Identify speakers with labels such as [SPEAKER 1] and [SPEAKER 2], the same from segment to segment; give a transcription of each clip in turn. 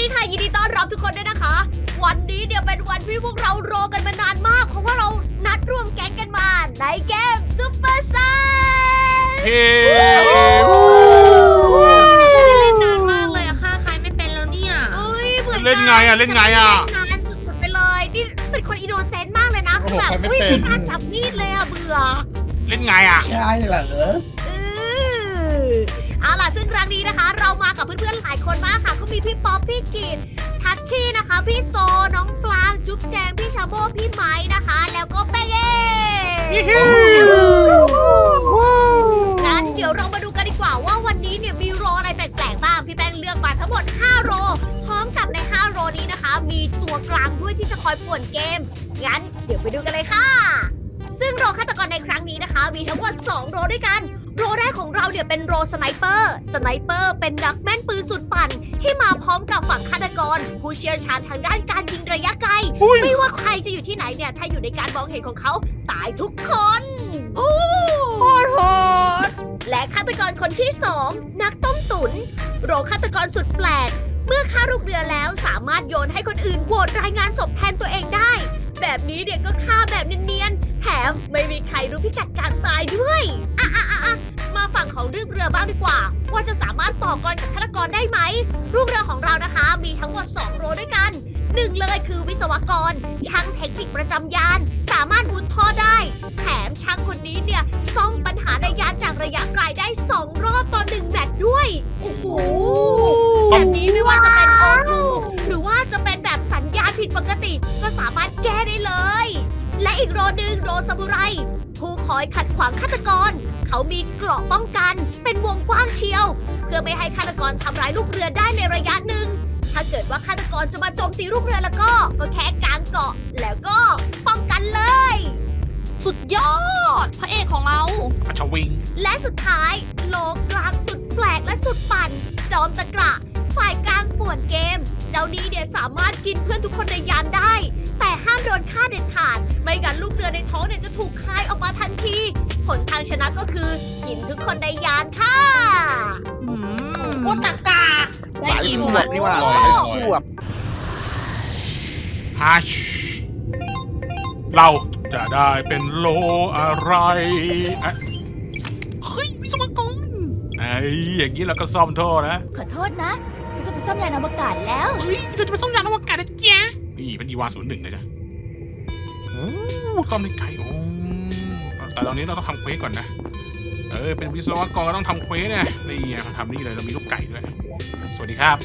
[SPEAKER 1] ค่ะยินดีต้อนรับทุกคนด้วยนะคะ วันนี้เนี่ยเป็นวันที่พวกเรารอกันมานานมาก เพราะว่าเรานัดรวมแก๊งกันมาในเกมซุปเปอร์ไซส์
[SPEAKER 2] เฮ้
[SPEAKER 3] ไม่ได้เล่นนานมากเลยอะค่ะใครไม่เป็นแล้วเนี่ย
[SPEAKER 1] เอ้ยเหมือน
[SPEAKER 2] เล่นไงอะเล่นไงอะ
[SPEAKER 1] นานสุดๆไปเลยนี่เป็นคนอินโนเซนต์มากเลยนะคือแบบอุ้ยไม่กล้าจับมีดเลยอะเบื่อ
[SPEAKER 2] เล่นไงอ่ะ
[SPEAKER 4] ใช่เหรอ
[SPEAKER 1] เอาล่ะซึ่งครั้งนี้นะคะ เรามากับเพื่อนๆหลายคนมากค่ะก็มีพี่ป๊อปพี่กิตทัชชี่นะคะ พี่โซน้องปลางจุ๊บแจงพี่ชาโบพี่ไม้นะคะ แล้วก็เป้เย่งั้นเดี๋ยวเรามาดูกันดีกว่าว่าวันนี้เนี่ยมีโรอะไรแปลกๆบ้างพี่แป้งเลือกมาทั้งหมด5โรพร้อมกับใน5โรนี้นะคะ มีตัวกลางด้วยที่จะคอยป่วนเกมงั้นเดี๋ยวไปดูกันเลยค่ะ ซึ่งโรฆาตกรในครั้งนี้นะคะ มีทั้งหมด2โรด้วยกัน โรแรกของเราเนี่ยเป็นโรสไนเปอร์ สไนเปอร์เป็นนักแม่นปืนสุดปั่นที่มาพร้อมกับฝั่งฆาตกร ผู้เชี่ยวชาญทางด้านการยิงระยะไกล ไม่ว่าใครจะอยู่ที่ไหนเนี่ย ถ้าอยู่ในการมองเห็นของเขาตายทุกคน
[SPEAKER 3] โหด
[SPEAKER 1] และฆาตกรคนที่ 2 นักต้มตุน โรฆาตกรสุดแปลก เมื่อฆ่าลูกเรือแล้วสามารถโยนให้คนอื่นโหวตรายงานศพแทนตัวเองได้ แบบนี้เนี่ยก็ฆ่าแบบเนียนๆแถมไม่มีใครรู้พิกัดการตายด้วยมาฝั่งของเรื่องเรือบ้างดีกว่า ว่าจะสามารถต่อกรกับฆาตกรได้ไหมลูกเรือของเรานะคะ มีทั้งหมด2โรด้วยกันหนึ่งเลยคือวิศวกร ช่างเทคนิคประจำยาน สามารถมุดท่อได้ แถมช่างคนนี้เนี่ยซ่อมปัญหาในยานจากระยะไกลได้2รอบต่อ1แมตช์ด้วยโอ้โหแบบนี้ไม่ว่าจะเป็นโอทูหรือว่าจะเป็นแบบสัญญาณผิดปกติ ก็สามารถแก้ได้เลย และอีกโรหนึ่งโรซามูไรผู้คอยขัดขวางฆาตกร เขามีเกราะป้องกันเป็นวงกว้างเชียว เพื่อไม่ให้ฆาตกรทำร้ายลูกเรือได้ในระยะหนึ่ง ถ้าเกิดว่าฆาตกรจะมาโจมตีลูกเรือแล้วก็แค่กางเกาะแล้วก็ป้องกันเลย
[SPEAKER 3] สุดยอด พระเอกของเรา
[SPEAKER 2] ปัชวิง
[SPEAKER 1] และสุดท้ายโลกลางสุดแปลกและสุดปั่น จอมตะกระฝ่ายกลางป่วนเกม เจ้านี้เนี่ยสามารถกินเพื่อนทุกคนในยานได้ แต่ห้ามโดนฆ่าเด็ดขาด ไม่งั้นลูกเรือในท้องเนี่ยจะถูกคายออกมาทันที ผลทางชนะก็คือกินทุกคนในยานค่ะ
[SPEAKER 3] โคตรตะกา
[SPEAKER 4] สาย
[SPEAKER 3] อิ่ม
[SPEAKER 4] สวบนี่ว่าสายสวบ
[SPEAKER 2] ฮัชเราจะได้เป็นโลอะไรอะเฮ้ยวิศวกรไอ้อย่างนี้เราก็ซ่อมท่อนะ
[SPEAKER 1] ขอโทษนะฉันจะไปซ่อมยานอวกาศแล้ว
[SPEAKER 2] เฮ้ยเราจะไปซ่อมยานอวกาศนะจ๊ะนี่เป็นอีวา01นะจ๊ะโอ้ซ่อมได้ไกลโอ้แต่ตอนนี้เราต้องทำเควสก่อนนะเป็นวิศวกรก็ต้องทำเควสเนี่ยนี่ไงเราทำนี่เลยเรามีลูกไก่ด้วยสวัสดีครับ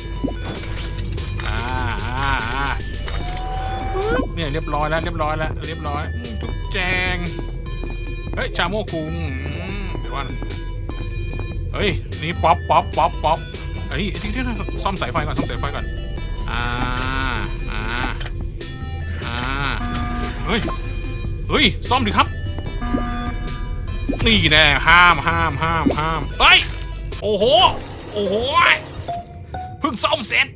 [SPEAKER 2] เนี่ยเรียบร้อยแล้วจุกแจงเฮ้ยชาโมคุงเดี๋ยวก่อนเฮ้ยนี่ป๊อปเฮ้ยที่ซ่อมสายไฟก่อนเฮ้ยซ่อมดิครับนี่แน่ห้ามเฮ้ยโอ้โหเพิ่งซ่อมเสร็จ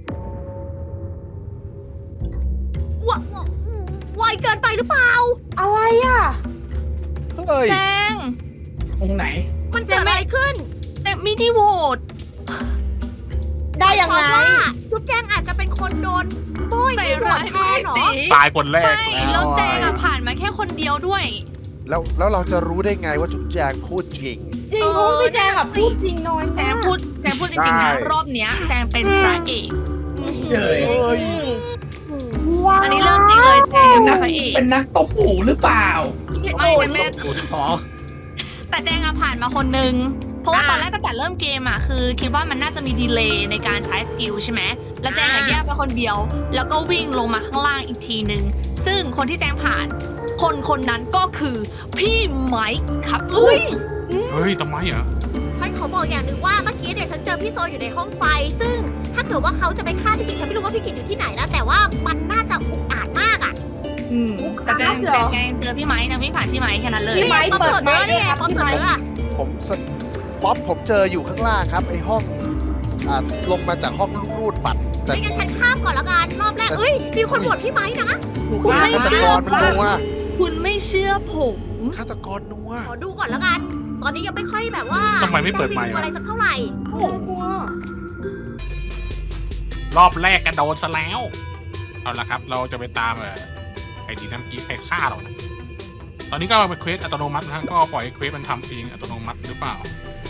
[SPEAKER 1] ไวเกินไปหรือเปล่า
[SPEAKER 5] อะไรอ่ะ
[SPEAKER 4] เฮ้ย
[SPEAKER 3] แจง
[SPEAKER 4] ตรงไหน
[SPEAKER 1] มันเกิดอะไรขึ้น
[SPEAKER 3] แต่ไม่ได้โหวต
[SPEAKER 5] ได้ยังไง
[SPEAKER 1] จุ๊บแจงอาจจะเป็นคนโดนโบย
[SPEAKER 3] ใส่
[SPEAKER 1] ให้โหว
[SPEAKER 3] ร้า
[SPEAKER 1] ต
[SPEAKER 3] ย
[SPEAKER 1] แทนเหรอ
[SPEAKER 3] สี
[SPEAKER 2] ตายคนแรก
[SPEAKER 3] ใช่แล้วแจงอะผ่านมาแค่คนเดียวด้วย
[SPEAKER 4] แล้วเราจะรู้ได้ไงว่าจุ๊บแจงพูดจริง
[SPEAKER 5] จริงเพราะว่าพี่แจงอะพูดจริงน้อย
[SPEAKER 3] แจ
[SPEAKER 5] มาง ก
[SPEAKER 3] พูดจริงๆนะ
[SPEAKER 4] ใช่
[SPEAKER 3] รอบเนี้ยแจงเป็นพระเอก
[SPEAKER 4] เฮ้ย
[SPEAKER 5] ว้าว
[SPEAKER 3] อันนี้เรื่องจริงเลยแจงเป็นพระเอก
[SPEAKER 6] เป็นนักตบหมูหรือเปล่า
[SPEAKER 3] ไม่แต่แม่
[SPEAKER 6] อ๋อ
[SPEAKER 3] แต่แจงอะผ่านมาคนนึง เพราะว่าตอนแรกตั้งแต่เริ่มเกมอะคือคิดว่ามันน่าจะมีดีเลย์ในการใช้สกิลใช่ไหมแล้วแจงอะแยกไปคนเดียว แล้วก็วิ่งลงมาข้างล่างอีกทีนึง ซึ่งคนที่แจงผ่าน คนนั้นก็คือพี่ไมค์ครับ
[SPEAKER 2] เฮ้ยทำไมอ่ะ
[SPEAKER 1] ฉันขอบอกอย่างหนึ่งว่าเมื่อกี้เนี่ยฉันเจอพี่โซอยู่ในห้องไฟ ซึ่งถ้าเกิดว่าเขาจะไปฆ่าพี่กิจฉันไม่รู้ว่าพี่กิจอยู่ที่ไหนนะ แต่ว่ามันน่าจะอุกอาจมากอ่ะ
[SPEAKER 3] แต่แจงเจอพี่ไมค์นะพี่ผ่านพี่ไมค์แค่นั้นเลย
[SPEAKER 5] พี่ไม้
[SPEAKER 1] ป๊อป
[SPEAKER 5] เปิด
[SPEAKER 1] เปิด
[SPEAKER 5] ไม้
[SPEAKER 1] เนื้อ
[SPEAKER 5] เล
[SPEAKER 1] นี่
[SPEAKER 5] ย
[SPEAKER 1] ไง
[SPEAKER 5] ครับ
[SPEAKER 1] ป๊อป
[SPEAKER 5] พี่
[SPEAKER 1] เปิด
[SPEAKER 5] ไม้
[SPEAKER 1] เนื้อ
[SPEAKER 4] ผมเจออยู่ข้างล่างครับไอห้องลงมาจากห้องรูดบัตรแต่
[SPEAKER 1] ไม่งั้นฉันข้ามก่อนละกันรอบแรกเอ้ยมีคนโหวตพี่ไม้นะ
[SPEAKER 3] คุณไม่
[SPEAKER 4] ฆาต
[SPEAKER 3] เชื่
[SPEAKER 4] ก
[SPEAKER 3] อ
[SPEAKER 4] รนัว
[SPEAKER 3] คุณไม่เชื่อผม
[SPEAKER 4] ฆาตกรนัว
[SPEAKER 1] ขอดูก่อนละกัน ตอนนี้ยังไม่ค่อยแบบว่า
[SPEAKER 2] ทำไมไม่เปิดไมค์
[SPEAKER 1] ด้
[SPEAKER 2] วะ
[SPEAKER 1] อะไรสักเท่าไหร่
[SPEAKER 5] โอ้กลัว
[SPEAKER 2] รอบแรกกระโดดซะแล้วเอาละครับเราจะไปตามไอ้ดีน้ำกี้ใครฆ่าเรานะตอนนี้ก็เป็นเควสอัตโนมัตินะฮะก็ปล่อยให้เควสมันทำเองอัตโนมัติหรือเปล่า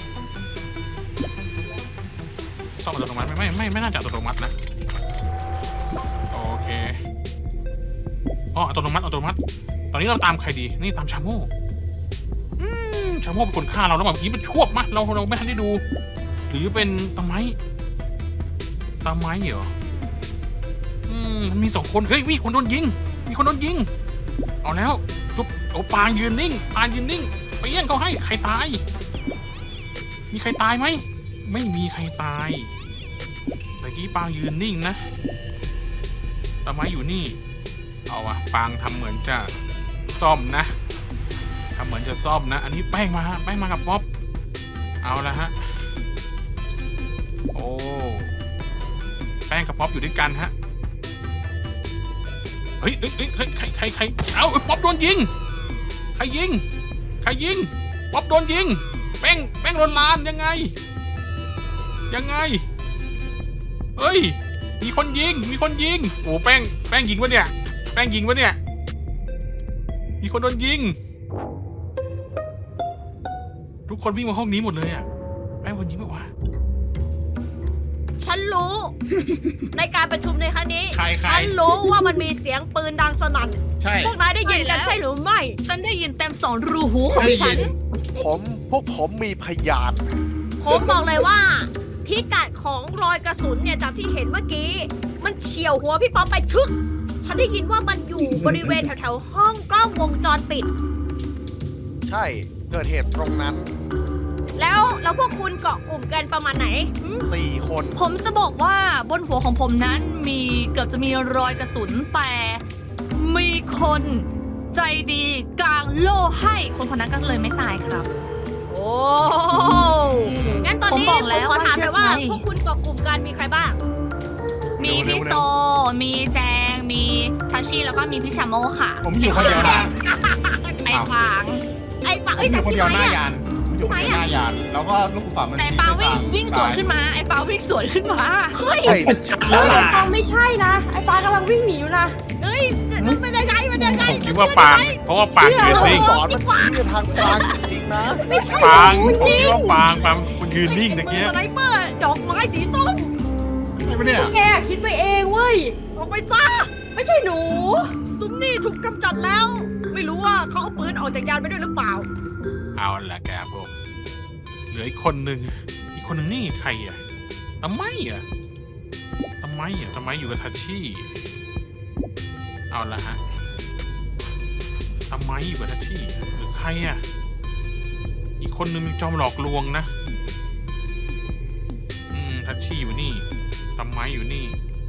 [SPEAKER 2] ซ่อมอัตโนมัติไม่น่าจะอัตโนมัตินะโอเคอ๋ออัตโนมัติตอนนี้เราตามใครดีนี่ตามชาโม่ชาโม่เป็นคนฆ่าเราแล้วแบบนี้มันชั่วมะเราไม่ทันได้ดูหรือเป็นตะไม้เหรอมันมี2 คนเฮ้ยมีคนโดนยิงเอาแล้วจุ๊บโอ้ปางยืนนิ่งไปเยี่ยงเขาให้ใครตายมีใครตายไหมไม่มีใครตายแต่กี้ปางยืนนิ่งนะตะไม้อยู่นี่เอาวะปางทำเหมือนจะซ่อมนะอันนี้แป้งมากับป๊อปเอาละฮะโอ้แป้งกับป๊อปอยู่ด้วยกันฮะเฮ้ยใครเอาป๊อปโดนยิงใครยิงป๊อปโดนยิงแป้งโดนลานยังไงเฮ้ยมีคนยิงโอ้แป้งยิงวะเนี่ยมีคนโดนยิงทุกคนวิ่งมาห้องนี้หมดเลยอ่ะแป้งโดนยิงไหมวะ
[SPEAKER 1] ฉันรู้ ในการประชุมในครั้งนี้
[SPEAKER 6] ใคร
[SPEAKER 1] ฉันรู้ว่ามันมีเสียงปืนดังสนั่น
[SPEAKER 6] ใช่
[SPEAKER 1] พวกนายได้ยินกันใช่หรือไม่
[SPEAKER 3] ฉันได้ยินเต็ม2 รูหูของฉัน
[SPEAKER 4] พวกผมมีพยาน
[SPEAKER 1] ผมบอกเลยว่า พิกัดของรอยกระสุนเนี่ยจากที่เห็นเมื่อกี้ มันเฉี่ยวหัวพี่ป๊อปไปชึก ฉันได้ยินว่ามันอยู่บริเวณแถวๆห้องกล้องวงจรปิด
[SPEAKER 4] ใช่เกิดเหตุตรงนั้น
[SPEAKER 1] แล้วพวกคุณเกาะกลุ่มกันประมาณไหน
[SPEAKER 4] 4 คน
[SPEAKER 3] ผมจะบอกว่าบนหัวของผมนั้นเกือบจะมีรอยกระสุนแต่มีคนใจดีกลางโล่ให้คนนั้นก็เลยไม่ตายครับ
[SPEAKER 1] โอ้งั้นตอนนี้
[SPEAKER 3] ผมบอกแล้ว
[SPEAKER 1] ขอถามหน่อยว่า
[SPEAKER 3] ว่าเชื่อใจ
[SPEAKER 1] พวกคุณเกาะกลุ่มกันมีใครบ้าง
[SPEAKER 3] มีพี่โซ มีแจง มีทัชชี่แล้วก็มีพี่ชาโมค่ะ
[SPEAKER 6] ผมอยู่คนเดียวนะ
[SPEAKER 3] ไอ้ฟาง
[SPEAKER 1] ไอ้ปะ
[SPEAKER 6] ผม
[SPEAKER 1] เอ้ย
[SPEAKER 6] อ
[SPEAKER 1] แต่
[SPEAKER 6] ยู่คน
[SPEAKER 1] พี่
[SPEAKER 6] เดียว
[SPEAKER 1] ไม้
[SPEAKER 6] หน้า
[SPEAKER 1] อะ
[SPEAKER 6] ยานผมอยู่คนเดียวหน้ายาน แล้วก็ลูกศรมัน
[SPEAKER 3] แต่ไอ้ปาวิ่งสวนขึ้นมา ไอ้ปาวิ่งสวนขึ้นมา
[SPEAKER 1] เฮ้ย
[SPEAKER 4] ใช่
[SPEAKER 5] เฮ้ยไอ้ปางไม่ใช่นะ ไอ้ปางกำลังวิ่งหนีอยู่นะ
[SPEAKER 1] เฮ้ยมันเป็นยังไง
[SPEAKER 2] ผมคิดว่าปางเพราะว่าปางยืนนิ่ง
[SPEAKER 4] สอนมันชี้ไปทางกลางจริงๆนะ
[SPEAKER 1] ไม่ใช่
[SPEAKER 2] ปาง
[SPEAKER 1] จ
[SPEAKER 2] ผม
[SPEAKER 1] ริ
[SPEAKER 2] คิ
[SPEAKER 1] ง
[SPEAKER 2] ดว่าปางคุณยืนนิ่งตะ
[SPEAKER 1] ๆ
[SPEAKER 2] เกีย
[SPEAKER 1] สไนเปอร์ดอกไม้สีส้ม
[SPEAKER 6] ใช่ปะเนี่ย
[SPEAKER 5] แกคิดไปเองเว้ย
[SPEAKER 1] ออกไปซะ
[SPEAKER 5] ไม่ใช่หนู
[SPEAKER 1] ซุ้มนี่ถูกกำจัดแล้ว ไม่รู้ว่าเขาเอาปืนออกจากยานไปด้วยหรือเปล่า
[SPEAKER 2] เอาละแกผมเหลืออีกคนหนึ่งนี่ใครอ่ะทำไมอยู่กับทัชชี่เอาละฮะทำไมอยู่กับทัชชี่หรือใครอ่ะอีกคนหนึ่งมันจอมหลอกลวงนะทัชชี่อยู่นี่ทำไมอยู่นี่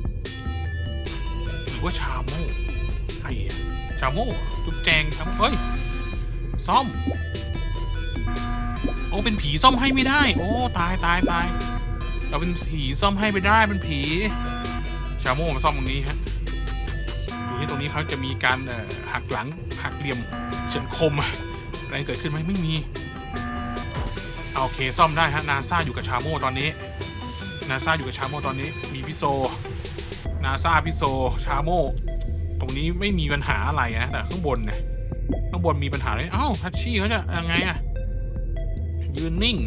[SPEAKER 2] หรือว่าชาโม่ใครอ่ะชาโม่จุ๊บแจงทำเฮ้ยซ่อมโอ้เป็นผีซ่อมให้ไม่ได้ โอ้ตายเราเป็นผีซ่อมให้ไม่ได้เป็นผีชาโม่มาซ่อมตรงนี้ฮะดูที่ตรงนี้เขาจะมีการหักหลังหักเหลี่ยมเฉือนคมอะไรเกิดขึ้นไหมไม่มีโอเคซ่อมได้ฮะนาซาอยู่กับชาโม่ตอนนี้มีพิโซนาซาพิโซชาโม่ตรงนี้ไม่มีปัญหาอะไรนะแต่ข้างบนมีปัญหาเลยเอ้าทัชชี่เขาจะยังไงอะยืนนิ่ง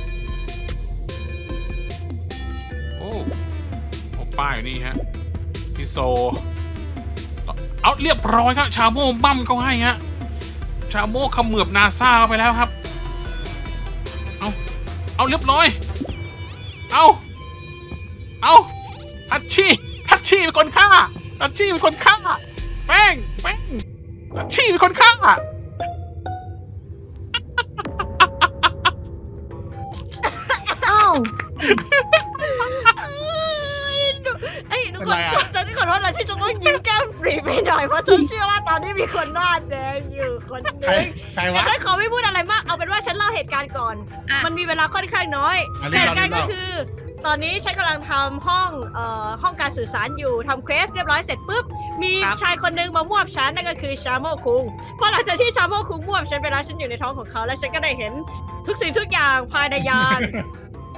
[SPEAKER 2] โอ้ป้ายอยู่นี่ฮะพี่โซเอาเรียบร้อยครับชาโม่บั้มเขาให้ฮะชาโม่ขมือบนาซาไปแล้วครับเอาเรียบร้อยเอาทัชชี่เป็นคนฆ่าแป้งทัชชี่เป็นคนฆ่า
[SPEAKER 3] อ้าว
[SPEAKER 1] เอ้ยทุก
[SPEAKER 6] เป็น
[SPEAKER 1] คน
[SPEAKER 6] ไรอะ
[SPEAKER 1] ฉันขอโทษนะที่จะต้องยิ้มแก้มปรีไปหน่อยเพราะฉันเชื่อว่าตอนนี้มีคนหน้าแดงอยู่คนห
[SPEAKER 6] ใคร
[SPEAKER 1] นึง
[SPEAKER 6] ใคร
[SPEAKER 1] แต่
[SPEAKER 6] วะ
[SPEAKER 1] ฉันขอไม่พูดอะไรมากเอาเป็นว่าฉันเล่าเหตุการณ์ก่อน
[SPEAKER 3] อ่ะ
[SPEAKER 1] มันมีเวลาค่อนข้างน้อย
[SPEAKER 6] อัน
[SPEAKER 1] เห
[SPEAKER 6] นี้
[SPEAKER 1] ตุการณ์ก็
[SPEAKER 6] เรา
[SPEAKER 1] คือ ตอนนี้ฉันกำลังทำห้องการสื่อสารอยู่ทำเควสเรียบร้อยเสร็จปุ๊บมีชายคนหนึงมามวบฉันนั่นก็คือชาโมคุงพอหลังจากที่ชาโมคุงมวบฉันไปแล้วฉันอยู่ในท้องของเขาแล้วฉันก็ได้เห็นทุกสิ่งทุกอย่างภายในยาน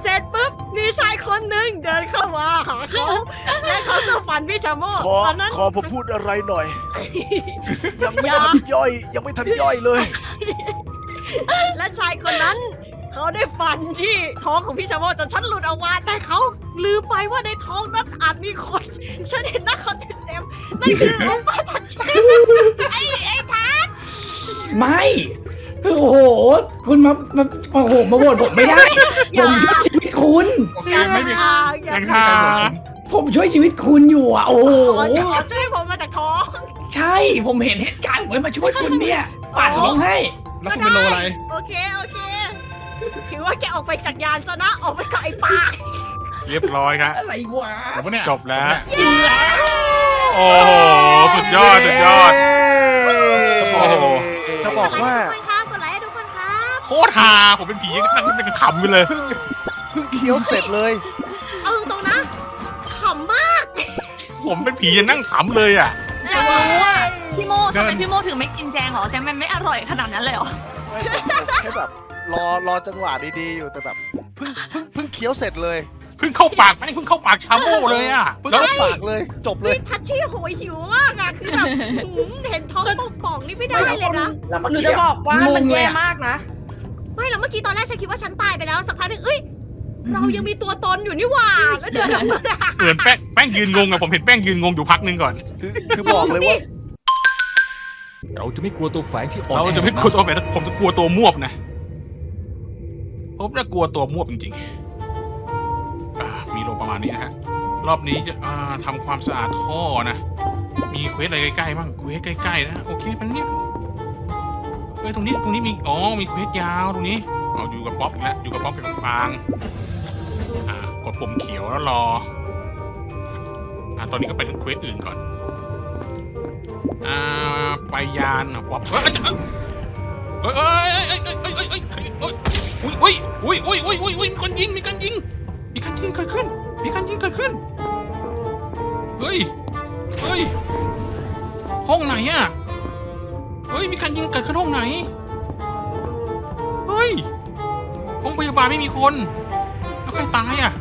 [SPEAKER 1] เสร็จปุ๊บมีชายคนหนึ่งเดินเข้ามาหาเขาและเขาก็ฟันพี่ชาโม
[SPEAKER 4] ขอ
[SPEAKER 1] ตอนนั้น
[SPEAKER 4] ขอผมพูดอะไรหน่อย ยังไม่ทันย่อย ยังไม่ทันย่อยเลย
[SPEAKER 1] และชายคนนั้น เขาได้ฟันที่ท้องของพี่ชาโมจนฉันหลุดออกมาแต่เขาลืมไปว่าในท้องนั้นอาจมีคนฉันเห็นหน้าเขาเต็มๆนั่นคือโอป้าทัชเชไอ้ทัช
[SPEAKER 7] ไม่คือโอ้โห คุณโอ้โห มาโหวตผมไม่ได้ ผมช่วยชีวิตคุณ
[SPEAKER 6] โอเคไม่มี
[SPEAKER 1] อย่า
[SPEAKER 2] ยัง
[SPEAKER 6] ใคร
[SPEAKER 2] ทา
[SPEAKER 6] โหวตผม
[SPEAKER 7] ผมช่วยชีวิตคุณอยู่อ่ะ โอ้โห
[SPEAKER 1] ขอช่วยผมมาจากท้อง
[SPEAKER 7] ใช่ ผมเห็นเหตุการณ์ผมเลยมาช่วยคุณเนี่ยปาดท้องให้
[SPEAKER 6] แล้วคุณเป็นโลอะไร
[SPEAKER 1] โอเคถือว่าแกออกไปจากยานซะนะออกไปกับไอ้ปาก
[SPEAKER 2] เรียบร้อยครับ
[SPEAKER 7] อะไรวะ
[SPEAKER 6] ผมว่าเนี่ย
[SPEAKER 2] จบแล้ว โอ้โห สุดยอด สุดยอด โอ้โห
[SPEAKER 4] จะบอกว่า
[SPEAKER 1] กดไลค์ให้ทุกคนครับ
[SPEAKER 2] โคตรฮาผมเป็นผีนั่งเป็นขำไปเลย
[SPEAKER 4] เพิ่งเคี้ยวเสร็จเลย
[SPEAKER 1] เอาตรงๆนะขำมาก
[SPEAKER 2] ผมเป็นผียังนั่งขำเลยอ่ะ
[SPEAKER 3] อยากรู้ว่าพี่โมทำไมพี่โมถึงไม่กินแจงเหรอแจงมันไม่อร่อยขนาดนั้นเลยเหรอ
[SPEAKER 4] แค่แบบรอจังหวะดีๆอยู่แต่แบบเพิ่งเคี้ยวเสร็จเลย
[SPEAKER 2] เพิ่งเข้าปากไม่เพิ่งเข้าปากชาโม่เลยอ่ะ
[SPEAKER 4] เพิ่ง
[SPEAKER 2] แล้ว
[SPEAKER 4] เข้าปากเลย จบเลย
[SPEAKER 1] นี่ทัชชี่โหยหิวมากอะคือแบบเห็นท้องป่องๆนี่ไม่ได้เลยนะ
[SPEAKER 7] แล้วเมื่อ
[SPEAKER 5] หนู
[SPEAKER 7] กี้
[SPEAKER 5] จะบอกว่ามันแย่
[SPEAKER 7] งเลยอะ
[SPEAKER 5] มากนะ
[SPEAKER 1] ไม่แล้วเมื่อกี้ตอนแรกฉันคิดว่าฉันตายไปแล้วสักพักหนึ่งเอ้ยเรายังมีตัวตนอยู่นี่หว่าแล้วเดินออกมา
[SPEAKER 2] เหมือนแป้งยืนงงอะผมเห็นแป้งยืนงงอยู่พักหนึงก่อน
[SPEAKER 4] คือบอกเลยว่า
[SPEAKER 8] เราจะไม่กลัวตัวแฝงที่อ่อน
[SPEAKER 2] เรา
[SPEAKER 8] แอ
[SPEAKER 2] จะไม่กลัวตัวแฝงผมจะกลัวตัวมวบนะผมจะกลัวตัวมวบจริงๆมีโลประมาณนี้นะฮะรอบนี้จะทำความสะอาดท่อนะมีเควสอะไรใกล้ๆบ้างเควสใกล้ๆนะโอเคมันเนี่ยตรงนี้มีมีเควสยาวตรงนี้เอาอยู่กับป๊อปอีกแล้วอยู่กับป๊อปกับปางกดปุ่มเขียวแล้วรอตอนนี้ก็ไปถึงเควสอื่นก่อนไปยานป๊อปมีการยิงมีการยิงเกิดขึ้นเฮ้ยห้องไหนอ่ะเฮ้ยมีการยิงเกิดขึ้นห้องไหนเฮ้ยห้องพยาบาลไม่มีคนแล้วใครตายอ่ะ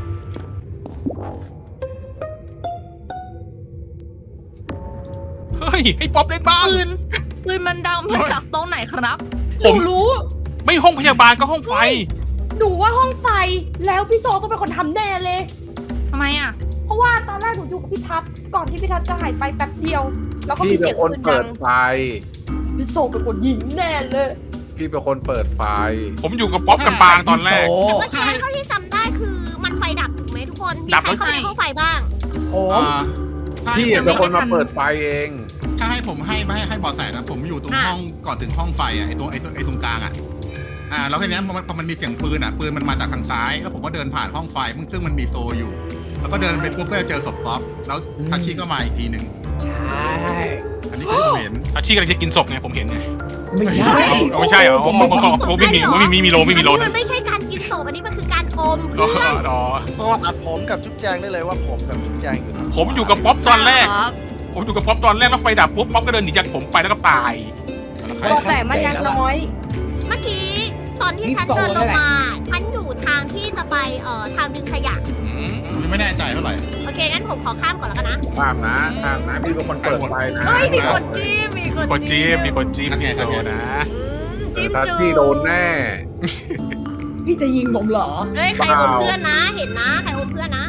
[SPEAKER 2] เฮ้ยให้ป๊อปเล่นบ้าง
[SPEAKER 3] ปืนมันดังมาจากตรงไหนครับ
[SPEAKER 5] หนูรู้
[SPEAKER 2] ไม่ห้องพยาบาลก็ห้องไฟ
[SPEAKER 5] หนูว่าห้องไฟ แล้วพี่โซต้องเป็นคนทำแน่เลย
[SPEAKER 3] ทำไมอ่ะ
[SPEAKER 5] เพราะว่าตอนแรกหนูอยู่กับพี่ทัศน์ก่อนที่พี่ทัศน์จะหายไปแป๊บเดียว แล้วก็มี
[SPEAKER 9] พี่เป็
[SPEAKER 5] เสี
[SPEAKER 9] น
[SPEAKER 5] ยง
[SPEAKER 9] คน
[SPEAKER 5] ปืน
[SPEAKER 9] เปิ
[SPEAKER 5] ดั
[SPEAKER 9] ด
[SPEAKER 5] ง
[SPEAKER 9] ไฟ
[SPEAKER 5] พี่โซเป็นคนยิงแน่เลย
[SPEAKER 9] พี่เป็นคนเปิดไฟ
[SPEAKER 2] ผมอยู่กับป๊อปกับปางตอนแรก
[SPEAKER 7] โอ้
[SPEAKER 1] แต่ว่าเจ๊เท่าที่จำได้คือมันไฟดับถูกไหมทุกคนมี
[SPEAKER 2] ดับ
[SPEAKER 1] ใครเข้าไปในห้องไฟบ้าง
[SPEAKER 7] โอ้
[SPEAKER 6] ถ้า
[SPEAKER 9] พี่
[SPEAKER 6] ให้
[SPEAKER 9] เป็นคนมาเปิดไฟเอง
[SPEAKER 6] ถ้าให้ผมให้เบอแสนะผมอยู่ตรงห้องก่อนถึงห้องไฟอ่ะไอตรงกลางอ่ะแล้วทีเนี้ยมันมีเสียงปืนอ่ะปืนมันมาจากทางซ้าย แล้วผมก็เดินผ่านห้องไฟซึ่งมันมีโซอยู่ แล้วก็เดินไปปุ๊บก็เจอศพป๊อปแล้วทัชชี่ก็มาอีกทีหนึ่ง
[SPEAKER 7] ใช่
[SPEAKER 6] อันนี้คือผมเห็น
[SPEAKER 2] อาชีพกำลังจะกินศพไงผมเห็นไง
[SPEAKER 7] ไม่ใช่
[SPEAKER 2] ไม่ใช่เหรอผมไม่มีโล
[SPEAKER 1] อันนี้มันไม่ใช่การกินศพอันนี้มันคือการอมเพื่อน
[SPEAKER 4] ก็ตัดผมกับจุ๊บแจงได้เลยว่าผมกับจุ๊บแจงอยู่
[SPEAKER 2] ผมอยู่กับป๊อปตอนแรก
[SPEAKER 3] ครับ
[SPEAKER 2] แล้วไฟดับปุ๊บป๊อปก็เดินหนีจากผมไปแล้วก็ตาย
[SPEAKER 5] แต่มันยังน้อย
[SPEAKER 1] เมื่อกี้ตอนที่ฉันเดินลงมาฉันอยู่ทางที่จะไปทางดึงขยะ
[SPEAKER 6] ยังไม่แน่ใจเท่าไหร่
[SPEAKER 1] โอเคงั้นผมขอข้ามก่อนแล้วกันนะ
[SPEAKER 9] ตามนะพี่เป็นคนเปิดไฟนะ
[SPEAKER 1] เฮ้ยมีคนจี้มีคน
[SPEAKER 2] มีคนจี๊บพี่โซนะ
[SPEAKER 1] จิ้ม
[SPEAKER 9] ถ้า
[SPEAKER 1] จู
[SPEAKER 9] พี่โดนแน่
[SPEAKER 7] พี่จะยิงผมเหรอ
[SPEAKER 1] เฮ้ยใครอมเพื่อนนะ เห็นนะใครอมเพื่อนนะ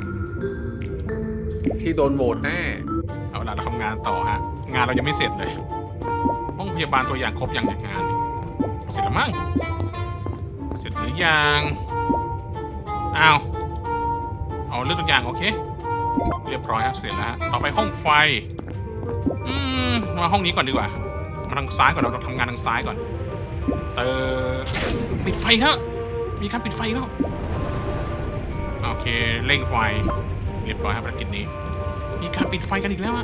[SPEAKER 9] ที่โดนโหวตแน่
[SPEAKER 2] เอาล่ะเราทำงานต่อฮะงานเรายังไม่เสร็จเลยห้องพยาบาลตัวอย่างครบยังเนี่ยงานเสร็จแล้วมั้งเสร็จหรือยังเอาเรื่องตัวอย่างโอเคเรียบร้อยครับเสร็จแล้วต่อไปห้องไฟมาห้องนี้ก่อนดีกว่ามาทางซ้ายก่อนเราต้องทำงานทางซ้ายก่อนปิดไฟครับมีการปิดไฟแล้วโอเคเร่งไฟเรียบร้อยครับภารกิจนี้มีการปิดไฟกันอีกแล้วอะ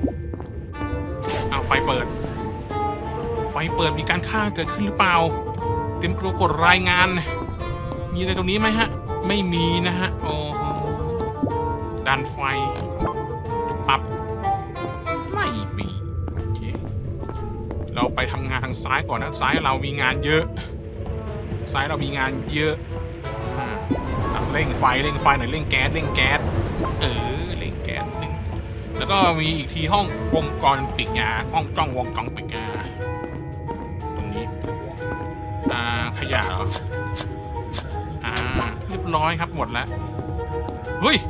[SPEAKER 2] ไฟเปิดมีการฆ่าเกิดขึ้นหรือเปล่าเต็มตัวกดรายงานมีอะไรตรงนี้ไหมฮะไม่มีนะฮะโอ้โหดันไฟจุดปับไม่มีโอเคเราไปทำงานทางซ้ายก่อนนะซ้ายเรามีงานเยอะทำเร่งไฟหน่อยเร่งแก๊สเร่งแก๊สนึงแล้วก็มีอีกทีห้องวงจรปิดห้องกล้องวงจรปิดตรงนี้ขยะเหรอเรียบร้อยครับหมดแล้วเฮ้ย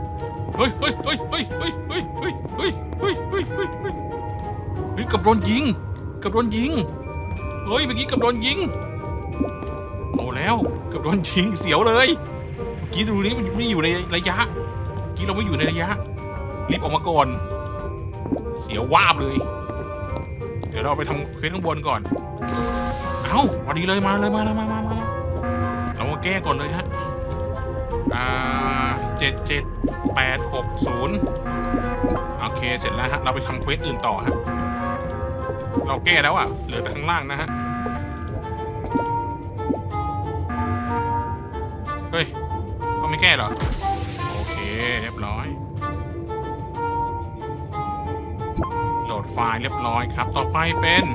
[SPEAKER 2] กับโดนยิงเฮ้ยเมื่อกี้กับโดนยิงเอาแล้วกับโดนยิงเสียวเลยเมื่อกี้ดูนี่มันไม่อยู่ในระยะเมื่อกี้เราไม่อยู่ในระยะรีบออกมาก่อนเสียววาบเลยเดี๋ยวเราไปทำเควสข้างบนก่อนเอ้าพอดีเลยมาเรามาแก้ก่อนเลยฮะ77860โอเคเสร็จแล้วฮะเราไปทำเควสอื่นต่อฮะเราแก้แล้วอ่ะเหลือแต่ข้างล่างนะฮะเฮ้ยก็ไม่แก้เหรอโอเคเรียบร้อยโหลดไฟล์เรียบร้อยครับต่อไปเป็น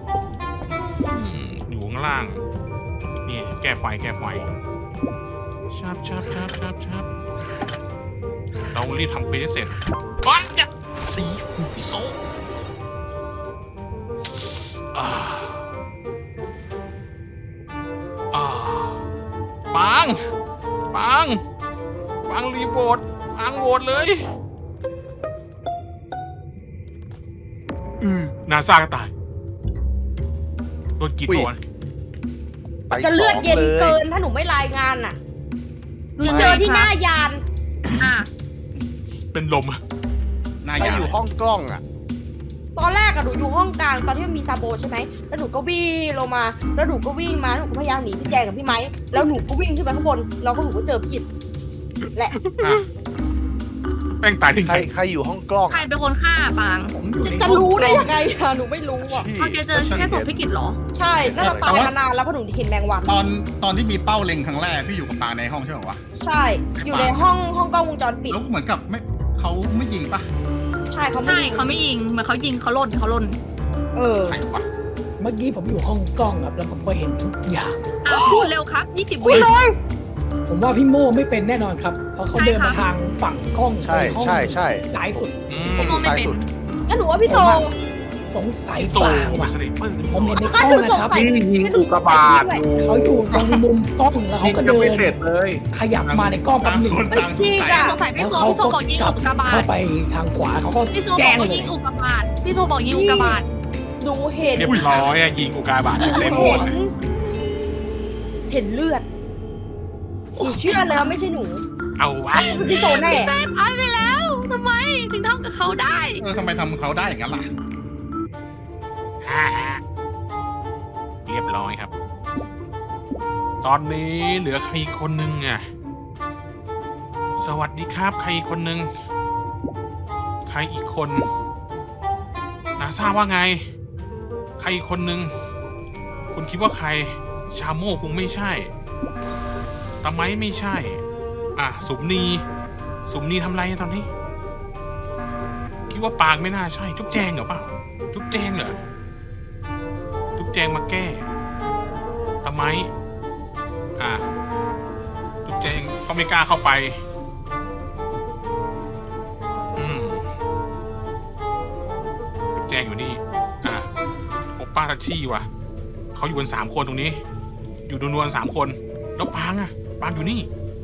[SPEAKER 2] อยู่ข้างล่างนี่แก้ไฟชับเรารีบทำเควสให้เสร็จก่อนจะสีพิโซปังรีโหวตโหวตเลยนาซาก็ตายโดนกินโดน
[SPEAKER 4] ไป
[SPEAKER 5] จะ
[SPEAKER 4] ส
[SPEAKER 5] เลื
[SPEAKER 4] อ
[SPEAKER 5] อด
[SPEAKER 4] ง
[SPEAKER 5] เย็น
[SPEAKER 4] เลย
[SPEAKER 5] เกินถ้าหนูไม่รายงานน่ะหนูเจอที่หน้ายาน
[SPEAKER 2] เป็นลม
[SPEAKER 6] หน้า
[SPEAKER 4] ไป
[SPEAKER 6] ยา
[SPEAKER 4] อยู่ห้องกล้องอ่ะ
[SPEAKER 5] ตอนแรกอะหนูอยู่ห้องกลางตอนที่มันมีซาโบใช่ไหมแล้วหนูก็วิ่งลงมาแล้วหนูก็วิ่งมาหนูก็พยายามหนีพี่แจงกับพี่ไม้แล้วหนูก็วิ่งขึ้นไปข้างบนแล้วก็หนูก็เจอพี่และ
[SPEAKER 2] แป้งตายที่ไหน
[SPEAKER 4] ใครอยู่ห้องกล้อง
[SPEAKER 3] ใครเป็นคนฆ่าปาง
[SPEAKER 7] ผมอยู่ใน
[SPEAKER 5] จะรู้ได้ยังไงอะหนูไม่รู้อะ
[SPEAKER 3] โอเคเจอแค่ศพพี่กิตเหรอ
[SPEAKER 5] ใช่น่าจะตายมานานแล้วเพราะหนูเห็นแมงวัน
[SPEAKER 6] ตอนที่มีเป้าเล็งครั้งแรกพี่อยู่กับปาในห้องใช่ไหมวะ
[SPEAKER 5] ใช่ อยู่ในห้องกล้องวงจรปิด
[SPEAKER 6] แล้วเหมือนกับเขาไม่ยิงปะ
[SPEAKER 5] ใช่เขาไม่
[SPEAKER 3] ใช่
[SPEAKER 5] ยิง
[SPEAKER 3] เขาไม่ยิงเหมือนเขายิงเขาล่น
[SPEAKER 5] เออ
[SPEAKER 6] ใครวะ
[SPEAKER 7] เมื่อกี้ผมอยู่ห้องกล้องครับแล้วผมก็เห็นทุกอย่าง
[SPEAKER 3] พูดเร็วครับ20
[SPEAKER 5] คุ
[SPEAKER 3] วิ
[SPEAKER 5] ยเลย
[SPEAKER 7] ผมว่าพี่โม่ไม่เป็นแน่นอนครับ เพราะเขาเดินมาทางฝั่งกล้อง
[SPEAKER 4] ใช่
[SPEAKER 7] ไปห้อง
[SPEAKER 4] ใช่
[SPEAKER 7] ซ้ายสุด
[SPEAKER 3] พี่โมไม่เป็น
[SPEAKER 5] งั้นหนูว่าพี่โต
[SPEAKER 7] สงสัย
[SPEAKER 2] โซ
[SPEAKER 7] เปล่า
[SPEAKER 2] เป็
[SPEAKER 7] ว่ะ
[SPEAKER 2] นสไนเปอร์
[SPEAKER 7] ผมเห็นในก
[SPEAKER 5] ก็
[SPEAKER 7] ล้อง
[SPEAKER 5] หนู
[SPEAKER 7] นะ
[SPEAKER 5] สง
[SPEAKER 7] ครับ
[SPEAKER 5] สัย
[SPEAKER 9] นี่ยิงอุกกาบาตอยู่
[SPEAKER 7] เขาอยู่ตรงมุมกล้องแล้วเขา
[SPEAKER 9] ยิง
[SPEAKER 7] ก็
[SPEAKER 9] ยัง
[SPEAKER 7] เดิ
[SPEAKER 9] ไม่
[SPEAKER 7] น
[SPEAKER 9] เสร็จเลย
[SPEAKER 7] ขยับมาในกล้องแป๊บหนึ่ง
[SPEAKER 6] ต่างคนต่างสงสัย
[SPEAKER 3] สงสัยพี่
[SPEAKER 7] แล้ว
[SPEAKER 3] โซ
[SPEAKER 7] เขา
[SPEAKER 3] พี่โซ
[SPEAKER 7] ก็
[SPEAKER 3] บอกยิง
[SPEAKER 7] กลั
[SPEAKER 3] อุ
[SPEAKER 7] บ
[SPEAKER 3] กกาบา
[SPEAKER 7] เข้า
[SPEAKER 3] ต
[SPEAKER 7] ไปทางขวาเขาก็
[SPEAKER 3] พี่โซบ
[SPEAKER 7] แจ้
[SPEAKER 3] อก
[SPEAKER 7] ง
[SPEAKER 3] ว่า
[SPEAKER 7] เล
[SPEAKER 3] ยิ
[SPEAKER 7] ย
[SPEAKER 3] งอุกกาบาตพี่โซบอกยิงอุกกาบาต
[SPEAKER 5] หนูเห็น
[SPEAKER 2] เรียบร้อยยิงอุกกาบาตเต็มหมดเลย
[SPEAKER 5] เห็นเลือดหนูเชื่อแล้วไม่ใช่หนู
[SPEAKER 2] เอาวะ
[SPEAKER 5] พี่โซแน่
[SPEAKER 3] แม่ตายไปแล้วทำไมถึงทำกับเขาได้
[SPEAKER 6] ทำไมทำเขาได้อย่างนั้นล่ะ
[SPEAKER 2] เรียบร้อยครับ ตอนนี้เหลือใครอีกคนนึงอ่ะสวัสดีครับใครอีกคนนึงใครอีกคนนาซาว่าไงใครอีกคนนึงคุณคิดว่าใครชาโม่คงไม่ใช่ตะไม้ไม่ใช่สุมนีทำไรตอนนี้คิดว่าปางไม่น่าใช่จุ๊บแจงเหรอเปล่าจุ๊บแจงเหรอจุ๊บแจงมาแก้ตะไม้จุ๊บแจงก็ไม่กล้าเข้าไปจุ๊บแจงอยู่นี่โอป้าทัชชี่ว่ะเขาอยู่กัน3 คนตรงนี้อยู่นวลๆ3 คนแล้วปางอยู่นี่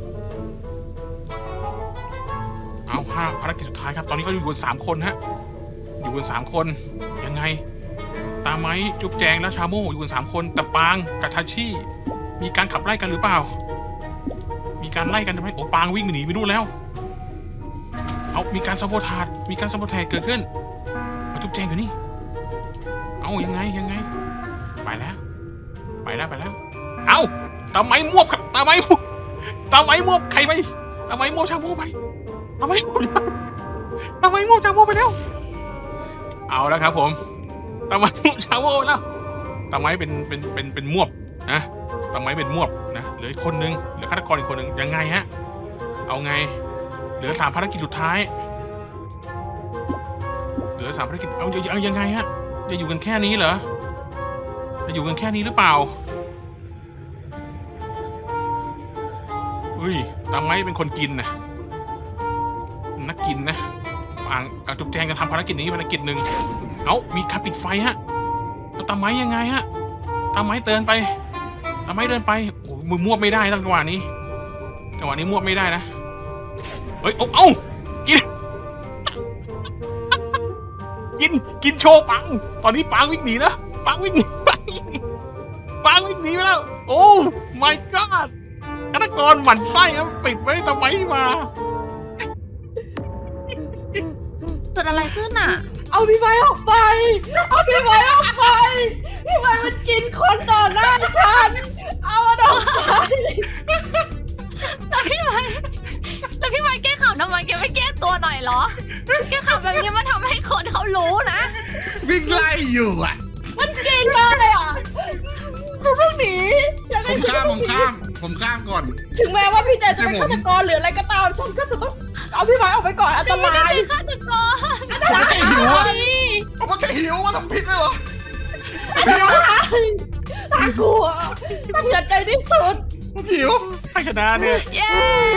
[SPEAKER 2] เอาภารกิจสุดท้ายครับตอนนี้เขาอยู่กัน3 คนฮะอยู่กัน3 คนยังไงตาไม้จุ๊บแจงและชาโม่อยู่กัน3 คนแต่ปางกับทัชชี่มีการขับไล่กันหรือเปล่ามีการไล่กันทำไมโอ้ปางวิ่งหนีไปนู่นแล้วเอามีการสัมโพธาเกิดขึ้นจุ๊บแจงอยู่นี่เอายังไงไปแล้วเอาตาไม้มวบครับตาไม้มวบใครไปตาไม้มวบชาโม่ไปตาไม้มวบชาโม่ไปแล้วเอาแล้วครับผมตาไม้มวบชาโม่แล้วตาไม้เป็นมวบนะตาไม้เป็นมวบนะเหลืออีกคนนึงเหลือฆาตกรอีกคนนึงยังไงฮะเอาไงเหลือ3 ภารกิจสุดท้ายเหลือ3 ภารกิจเอายังไงฮะจะอยู่กันแค่นี้เหรอจะอยู่กันแค่นี้หรือเปล่าฮ้ยตาไม้เป็นคนกินนะนักกินนะจุ๊บแจงจะทำภารกิจนี้ภารกิจหนึ่งเอ้ามีการปิดไฟฮะแล้วตาไม้ยังไงฮะตาไม้เดินไปโอ้มือมั่วไม่ได้จังหวะนี้มั่วไม่ได้นะเฮ้ยเอ้ากินโชว์ปังตอนนี้ปังวิ่งหนีนะปังวิ่งหนีไปแล้วโอ้ my god ฆาตกรหมั่นไส้ครับปิดไว้ทำไมมา
[SPEAKER 3] เกิดอะไรขึ้นอ่ะ
[SPEAKER 5] เอาพี่ไม้ออกไปพี่ไม้มันกินคนต่อหน้าฉันเอามันออกไป
[SPEAKER 3] แล้วพี่ไม้แก้ข่าวทำไมแกไม่แก้ตัวหน่อยเหรอแก้ข่าวแบบนี้มันทำให้คนเขารู้นะ
[SPEAKER 6] วิ่งไล่อยู่อ่ะ
[SPEAKER 5] มันกินเลยอ่ะกูเพิ่งหนียังไง
[SPEAKER 6] ผมข้ามก่อน
[SPEAKER 5] ถึงแม้ว่าพี่แจจะเป็นฆาตกรหรืออะไรก็ตามฉันก็จะต้องเอาพี่ไม้ออกไปก่อนอันตราย
[SPEAKER 3] ฆาตกร
[SPEAKER 6] ผมแค่หิวอะผมก็แค่หิวว่าทำผิดเลยเหรอ
[SPEAKER 5] น่ากลัวน่าเสียใจที่สุด
[SPEAKER 6] ผมหิว
[SPEAKER 2] ใครชนะเนี่ย
[SPEAKER 3] เย้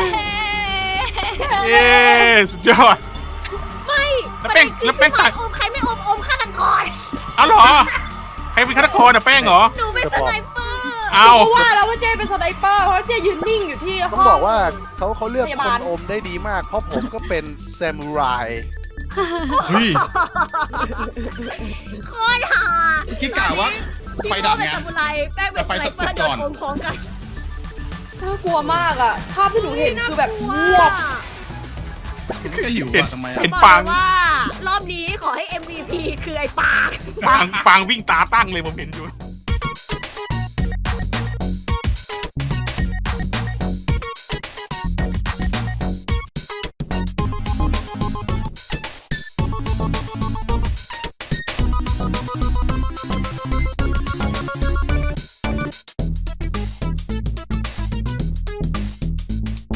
[SPEAKER 2] เย้สุดยอด
[SPEAKER 1] ไม่
[SPEAKER 2] แล้วแป้ง
[SPEAKER 1] ประเด็นคือ
[SPEAKER 2] แล้วแป้ง
[SPEAKER 1] พี่
[SPEAKER 2] ตัด
[SPEAKER 1] อมใครไม่อมฆาตกร
[SPEAKER 2] เอาเหรอใครเป็นฆาตกรอะแป้งเหรอ
[SPEAKER 1] หนูเป็นสไนเปอร์
[SPEAKER 2] เอา
[SPEAKER 5] เพราะว่าแล้วว่าเจเป็นสไนเปอร์เพราะเจยืนนิ่งอยู่ที่ห้
[SPEAKER 4] ต้อง
[SPEAKER 5] อง
[SPEAKER 4] บอกว่าเขาเลือก
[SPEAKER 5] พ
[SPEAKER 4] ค
[SPEAKER 5] ยาบาล
[SPEAKER 4] นอมได้ดีมาก เพราะผมก็เป็นแซมูไร
[SPEAKER 6] เฮ้ย
[SPEAKER 1] โคตรห่า
[SPEAKER 6] คิดกะว่าไฟดับ
[SPEAKER 1] เป็น
[SPEAKER 6] ไง
[SPEAKER 1] ซามูไรแป้งเป็นสไนเปอร์โดนอมพร้อมกัน
[SPEAKER 5] น่ากลัวมากอ่ะภาพที่หนูเห็นคือแบบงวบ
[SPEAKER 6] ผมแค่หิว
[SPEAKER 2] เห็น
[SPEAKER 6] อะทำไม
[SPEAKER 2] เห็
[SPEAKER 6] อะ
[SPEAKER 2] น
[SPEAKER 1] บอก
[SPEAKER 2] ปาง
[SPEAKER 1] เลยว่ารอบนี้ขอให้ MVP คือไอ้ปาง
[SPEAKER 2] ปางวิ่งตาตั้งเลยผมเห็นอยู่